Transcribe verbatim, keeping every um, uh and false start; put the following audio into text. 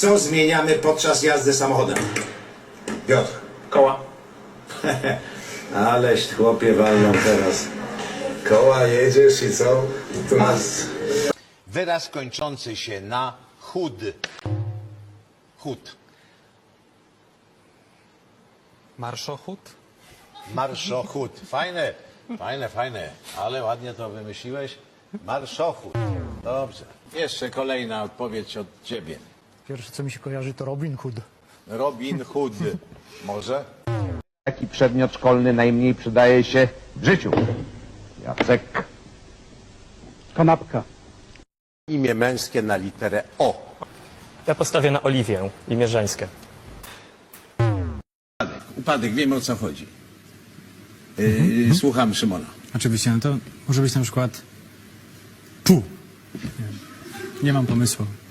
Co zmieniamy podczas jazdy samochodem? Piotr. Koła. Aleś chłopie walną teraz. Koła jedziesz i co? Tu nas... Wyraz kończący się na chud. Chud. Marszochód? Marszochód. Fajne, fajne, fajne. Ale ładnie to wymyśliłeś. Marszochód. Dobrze. Jeszcze kolejna odpowiedź od ciebie. Pierwsze, co mi się kojarzy, to Robin Hood. Robin Hood. Może? Jaki przedmiot szkolny najmniej przydaje się w życiu? Jacek. Kanapka. Imię męskie na literę O. Ja postawię na Oliwię, imię żeńskie. Upadek, wiemy o co chodzi. Yy, słucham Szymona. Oczywiście, no to może być na przykład pół. Nie, nie mam pomysłu.